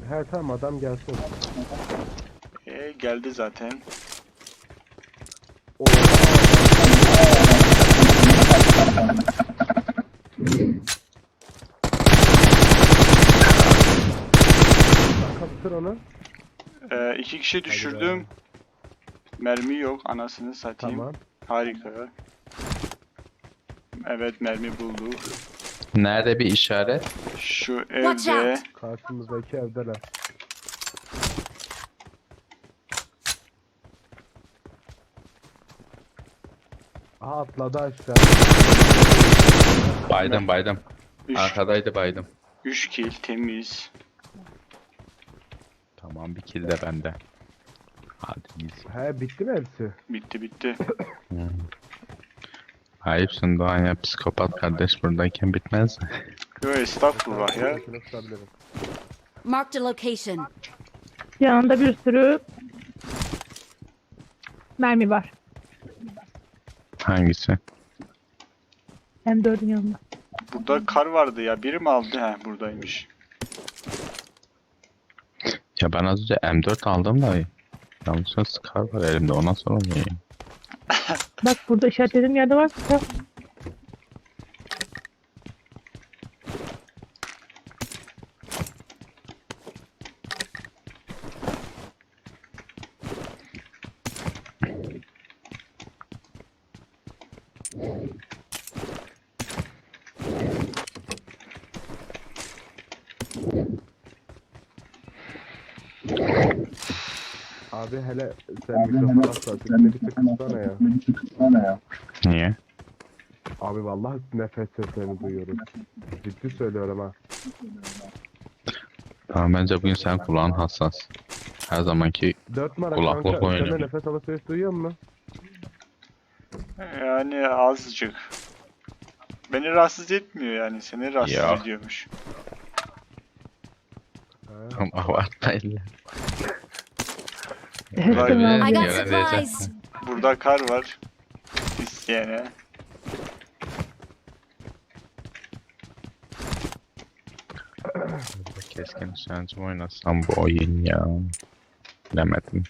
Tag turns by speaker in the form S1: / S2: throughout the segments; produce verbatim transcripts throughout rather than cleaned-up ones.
S1: He tamam, adam gelsin.
S2: E, geldi zaten.
S1: Oha. Kaptır onu.
S2: E, iki kişi düşürdüm. Mermi yok, anasını satayım.
S1: Tamam.
S2: Harika. Evet, mermi bulduk.
S3: Nerede bir işaret?
S2: Şu
S4: Watch
S2: evde.
S4: out.
S1: Karşımızdaki evdeler. Aha, atladı aşağı.
S3: Baydım baydım.
S2: Üç,
S3: Arkadaydı baydım.
S2: üç kill temiz.
S3: Tamam, bir kill de bende. Hadi iyisin.
S1: He, bitti mi hepsi?
S2: Bitti bitti.
S3: Hmm. Ayıpsın Doğan ya, psikopat kardeş buradayken bitmez.
S2: Yo, estağfurullah ya.
S1: Şunu tutabilirim.
S4: Marked a location.
S5: Yanında bir sürü mermi var.
S3: Hangisi?
S5: M dördün yanında.
S2: Burada kar vardı ya. Biri mi aldı? He, buradaymış.
S3: Ya ben az önce M dört aldım da yanlışlıkla Scar var elimde, ona sonra mı yiyeyim?
S5: Bak burada işaretlediğim yerde var. Ya.
S1: Abi hele sen mikrofon hassasiyetini bir tık kıssana ya.
S3: Niye?
S1: Abi vallahi nefes seslerini duyuyoruz. Ciddi söylüyorum ha.
S3: Tamam, bence bugün sen kulağın hassas. Her zamanki
S1: Dört numara
S3: Kulaklık
S1: kanka, sen
S3: oynuyor.
S1: de nefes alışveriş duyuyor musun?
S2: Yani azıcık. Beni rahatsız etmiyor yani. Seni rahatsız
S3: Ya.
S2: ediyormuş.
S3: Ama abartmayın.
S2: Vay be.
S4: I got
S3: Yöne
S4: supplies.
S3: diyeceksin.
S2: Burada kar var. İsteyene.
S3: Keskin nişancı oynasam bu oyun ya. Bilemedim.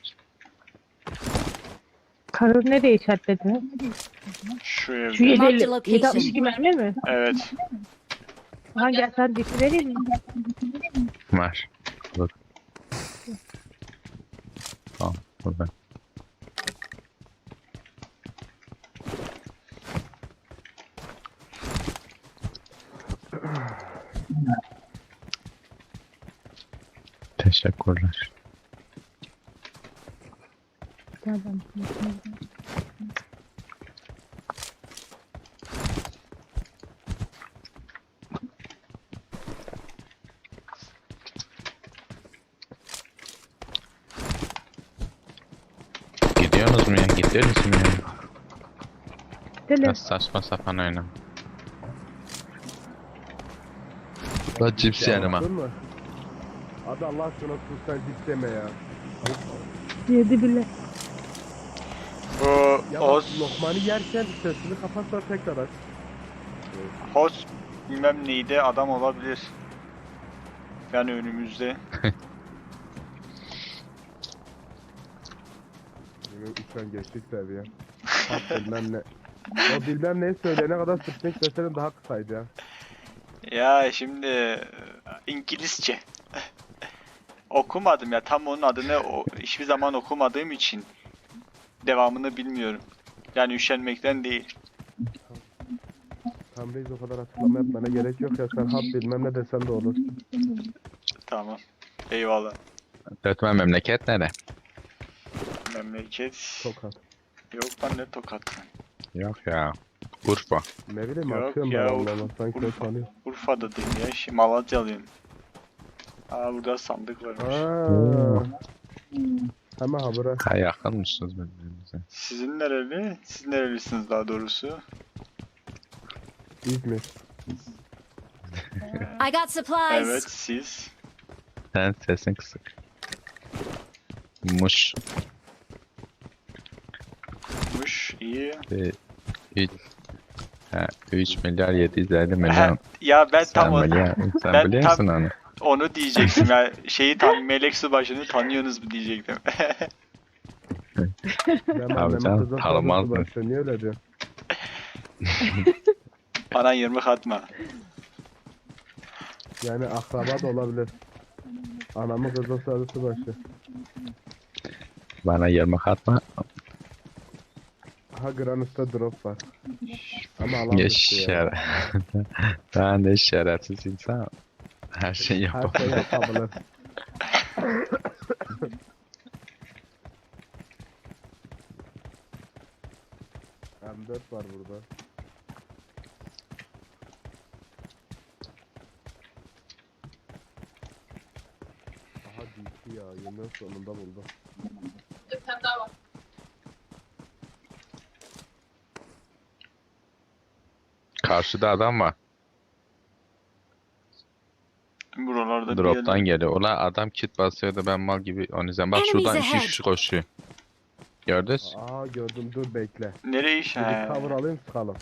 S5: Karı nereye işaretledi?
S2: Şu
S5: Şu
S2: evde.
S5: yedi
S4: Marked
S5: elli-
S4: location.
S5: yedi altmış iki mermi mi?
S2: Evet.
S5: Ha gel sen dişi vereyim mi?
S3: Var. Dur. Tamam, burada. Teşekkürler.
S5: Gel ben.
S3: Gidiyorsunuz mu ya? Gidiyor musun ya?
S5: Deli.
S3: Biraz saçma sapan oyna. La cips yanıma.
S1: Anladın mı? Abi Allah aşkına sus, sen cips deme ya.
S5: Yedi bile.
S2: Bu
S1: Ya bak,
S2: Oz,
S1: lokmanı yerken sesini kapatsa tekrar aç.
S2: Host bilmem neydi adam olabilir. Yani önümüzde.
S1: Benim üçten geçtik seviye. Bak bilmem ne. O bilmem neyi söyleyene kadar Spring seslerin daha kısaydı ya.
S2: Ya şimdi e, İngilizce. Okumadım ya, tam onun adını o, hiçbir zaman okumadığım için devamını bilmiyorum. Yani üşenmekten değil.
S1: Tam reis, o kadar açıklama yapmana gerek yok ya, sen hap bilmem ne desen de olur.
S2: Tamam. Eyvallah.
S3: Dörtmen memleket nere?
S2: Memleket.
S1: Tokat.
S2: Yok lan, ne Tokat.
S3: Yok ya. Urfa.
S1: Ne bileyim,
S2: Yok
S1: atıyorum
S2: ya,
S1: ben
S2: Urfa-
S1: Allah'ım, sanki öyle
S2: Urfa.
S1: sanıyor.
S2: Urfa'da değil ya. Şimdi Malatyalıyım. Aa, burada sandık varmış.
S1: Aaa. Hemen habere.
S3: Ha, yakınmışsınız birbirimize.
S2: Sizin nereli? Siz nerelisiniz daha doğrusu?
S1: İzmir.
S4: I got supplies.
S2: Evet, siz.
S3: Sen sesin kısık. Muş.
S2: Muş, iyi.
S3: üç ha, üç milyar yedi yüz elli milyon.
S2: Ya ben tam
S3: Sen,
S2: o...
S3: biliyor, sen
S2: ben
S3: biliyorsun
S2: tam-
S3: onu.
S2: Onu diyeceksin ya. Şeyi tan Melek Subaşı'nı tanıyorsunuz mu diyecektim.
S1: Ben
S3: Abi
S1: annemin
S3: sen
S1: kızı
S3: tanımaz
S1: tanısı
S3: mı?
S1: başlıyor. Niye öyle diyorsun?
S2: Bana yirmi atma.
S1: Yani akraba da olabilir. Anamın kızı sarısı başı.
S3: Bana yarmak atma.
S1: Ha Granus'ta drop var. Ama alan dışı ya.
S3: Yaşar. Ben de şerefsiz insan. Her şeyi
S1: Her
S3: yapamam.
S1: şey yapabilir. M dört var burada. Aha D P ya. Yemin sonunda buldum.
S3: Karşıda adam var.
S2: Buralarda bir
S3: Drop'tan
S2: yerler.
S3: geliyor. Ulan adam kit basıyordu ben mal gibi onu izledim. Bak şuradan
S4: Enemies
S3: iki
S4: ahead.
S3: kişi koşuyor. Gördünüz?
S1: Aa gördüm, dur bekle.
S2: Nereye iş?
S1: Bir
S2: He.
S1: cover alayım sıkalım.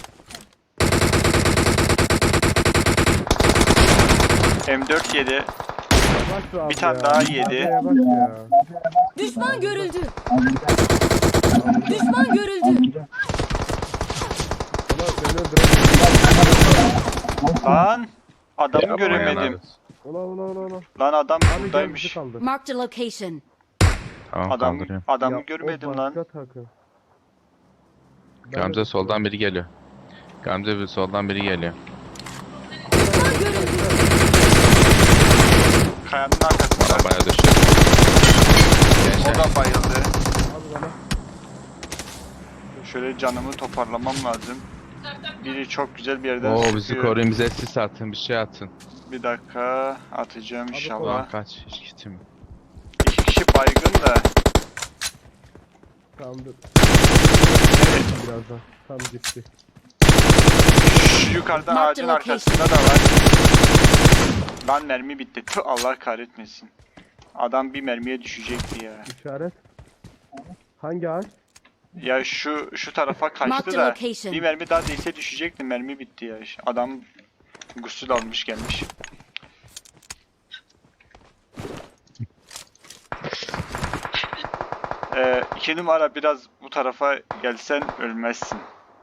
S2: M dört yedi.
S1: Yavaş abi
S2: Bir tane
S1: ya.
S2: daha
S1: Hadi
S2: yedi.
S1: Yavaş ya.
S4: Düşman görüldü. Düşman görüldü.
S1: Ulan beni öldürecek.
S2: Lan adamı
S3: Yapma
S2: göremedim.
S3: yani.
S1: Ulan ulan ulan ulan.
S2: Lan adam
S1: Abi gel bizi
S2: buradaymış.
S1: kaldır.
S4: Marked a location.
S3: Tamam
S2: Adam
S3: kaldırıyorum.
S2: adamı
S1: Ya, o
S2: görmedim lan.
S1: başka takım. Ben
S3: Gamze
S1: de-
S3: soldan biri geliyor. Gamze bir soldan biri geliyor.
S4: Düşman görüldü.
S2: Kayanın arkasında.
S3: Arabaya düşüyor.
S2: O
S3: Gençler.
S2: da bayıldı.
S1: Abi bana.
S2: Şöyle canımı toparlamam lazım. Biri çok güzel bir yerden
S3: Oo
S2: sıkıyor.
S3: bizi koruyun, bize sis atın, bir şey atın.
S2: Bir dakika atacağım
S1: Abi,
S2: inşallah.
S3: Ulan kaç kitim.
S2: İki kişi baygın da.
S1: Tamam dur. Birazdan. Tam gitti.
S2: Şu yukarıda
S4: Marked
S2: ağacın
S4: location.
S2: arkasında da var. Lan mermi bitti. Tüh, Allah kahretmesin. Adam bir mermiye düşecekti ya.
S1: İşaret. Hangi ağaç?
S2: Ya şu şu tarafa
S4: Marked
S2: kaçtı
S4: a
S2: da
S4: location.
S2: bir mermi daha değse düşecekti. Mermi bitti ya. Adam gusül almış gelmiş. Ee, iki numara biraz bu tarafa gelsen ölmezsin.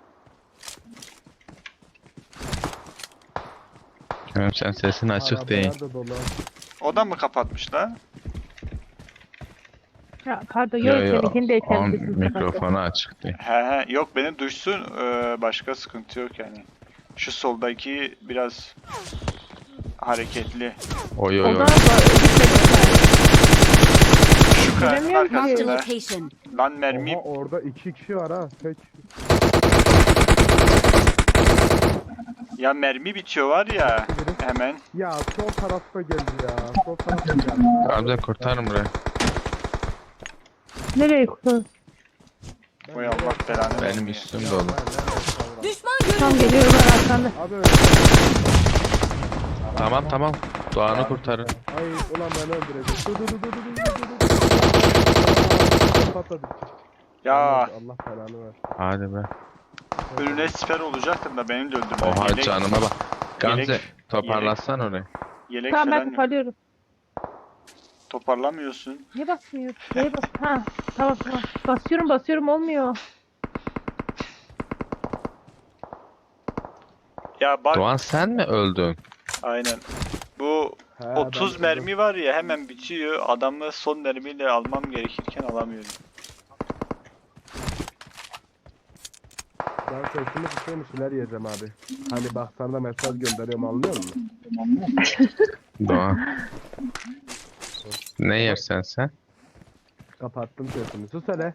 S3: Görüyorum sen sesin açık değil.
S1: Arabalar da dolu.
S2: O da mı kapatmış lan?
S5: Ya, pardon
S3: Yo
S5: yok
S3: yo.
S5: seninkini de
S3: On
S5: içerisinde
S3: mikrofonu açık değil.
S2: He he yok beni duysun ee, başka sıkıntı yok yani. Şu soldaki biraz hareketli.
S3: Oy
S5: O
S3: oy
S5: da
S3: oy.
S2: Şu kayanın
S5: Bilemiyorum ki.
S4: Marked a
S2: arkasında.
S4: location.
S2: Lan mermi
S1: Oha orada iki kişi var ha. Tek.
S2: ya mermi bitiyor var ya hemen.
S1: Ya sol tarafta geldi ya. Sol tarafta geldi.
S3: Gamze kurtarın burayı.
S5: Nereye kurtar?
S2: Oy Allah belanı
S3: Benim
S2: versin.
S3: üstüm dolu.
S4: Düşman
S5: Tam
S4: görüldü.
S5: geliyorlar arkanda.
S1: Abi öyle.
S3: Tamam tamam. Doğan'ı kurtarın.
S1: Ay ulan beni öldürecek. Dur dur dur dur dur dur dur. dur. Patladı.
S2: Ya
S1: Allah belanı ver.
S3: Hadi be.
S2: önüne siper olacaktım da beni de öldürdü.
S3: Oha
S2: Yelek,
S3: canıma bak. Gamze
S2: yelek-
S3: toparlatsan orayı.
S2: yelek
S5: Tamam ben
S2: falan yok.
S5: toparlıyorum.
S2: Toparlamıyorsun.
S5: Niye basmıyor? Neye bas? Ha tamam tamam. Basıyorum basıyorum olmuyor.
S2: Ya bak
S3: Doğan sen mi öldün?
S2: aynen. Bu
S1: He,
S2: otuz
S1: ben-
S2: mermi var ya hemen bitiyor. Adamı son mermiyle almam gerekirken alamıyorum.
S1: Ben sesimi kısayım şeyler yiyeceğim abi. Hani bak sana da mesaj gönderiyorum anlıyor musun?
S3: Doğan. Ne yersen sen?
S1: Kapattım sesimi. Sus hele.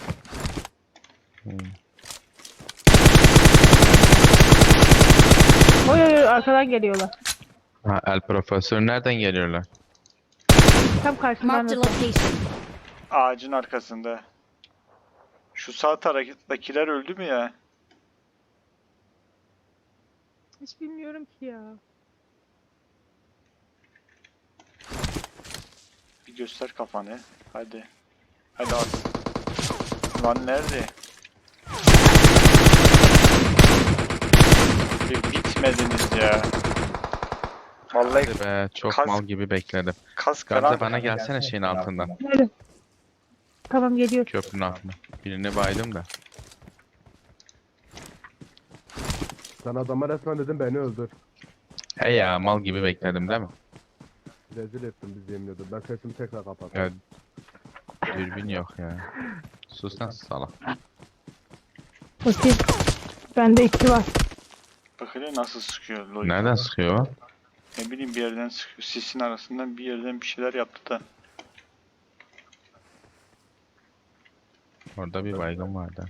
S5: Oy oy oy arkadan geliyorlar.
S3: Ha, El Profesör nereden geliyorlar?
S5: Tam karşımdan.
S4: Marked a
S5: nasıl?
S4: location.
S2: Ağacın arkasında. Şu sağ taraftakiler öldü mü ya?
S5: Hiç bilmiyorum ki ya.
S2: Bir göster kafanı. Hadi. Hadi abi. Lan nerede? Bir bitmediniz ya. Vallahi
S3: Hadi be çok
S2: Kas-
S3: mal gibi bekledim.
S2: kas
S3: Gamze
S2: karan.
S3: bana gelsene şeyin altından.
S5: Nerede? Tamam geliyor.
S3: Köprünün altına. Birini baydım da.
S1: Sen adama resmen dedim beni öldür.
S3: He ya mal gibi bekledim değil mi?
S1: Rezil ettin bizi yemin ediyorum. Ben sesimi tekrar kapattım.
S3: Ya, dürbün yok ya. Sus lan salak.
S5: Bakayım. Bende iki var.
S2: Bak hele nasıl sıkıyor Lloyd.
S3: Nereden sıkıyor o?
S2: Ne bileyim bir yerden sıkıyor. Sisin arasından bir yerden bir şeyler yaptı da.
S3: Orada bir baygın vardı.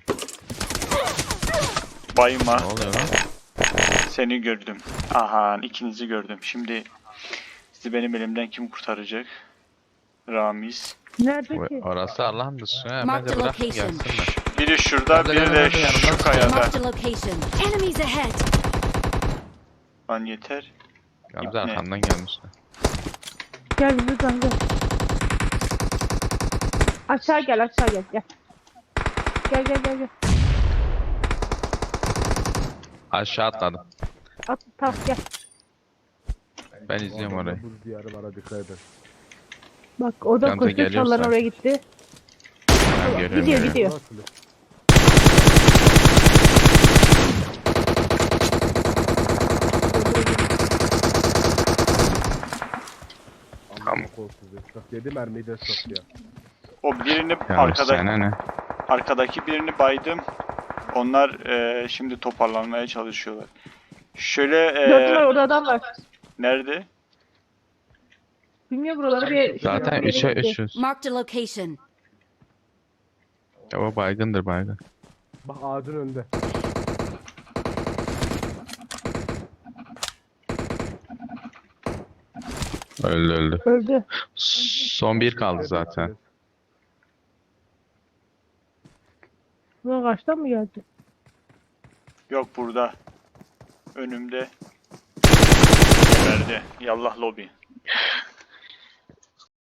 S2: Bayma.
S3: Ne oluyor lan?
S2: Seni gördüm. Aha ikinizi gördüm. Şimdi sizi benim elimden kim kurtaracak? Ramiz.
S5: Nerede
S3: Bu-
S5: ki?
S3: Orası Allah'ın dışı. Ha,
S4: Mark
S3: bence
S4: the
S3: bırak
S4: location.
S3: gelsinler.
S2: Biri şurada,
S3: Gamze,
S2: biri
S3: gel,
S2: de
S3: gel, yanımdan
S2: şu
S3: sık.
S2: kayada.
S4: Marked a location. Enemies ahead.
S2: Lan yeter.
S3: Gamze
S2: İpne.
S3: arkandan gelmişler.
S5: Gel buradan gel. Aşağı gel aşağı gel gel. Gel gel gel gel.
S3: Aşağı atladım.
S5: At tamam gel.
S3: Ben izliyorum
S1: Adamda
S3: orayı.
S1: Buz diyarı var, dikkat edin.
S5: Bak o da
S3: Gamze
S5: koşuyor
S3: geliyorsa.
S5: çalıların oraya gitti.
S3: Ben görüyorum,
S5: Gidiyor
S3: görüyorum.
S5: gidiyor.
S1: Nasıl? Amma kolsuz ya. Bak yedi mermiyi de sok ya.
S2: O birini
S3: Ya
S2: arkada,
S3: sana ne?
S2: arkadaki birini baydım. Onlar e, şimdi toparlanmaya çalışıyorlar. Şöyle
S5: Dört numara
S2: e,
S5: orada adam var.
S2: nerede?
S5: Bilmiyorum buraları bir...
S3: Zaten üçe üçüz.
S4: Marked a location.
S3: Ya o baygındır baygın.
S1: Bak ağacın önünde.
S3: Öldü öldü.
S5: Öldü.
S3: Son bir kaldı zaten.
S5: Bu kaçtan mı geldi?
S2: Yok burada. Önümde. Verdi. Yallah lobi.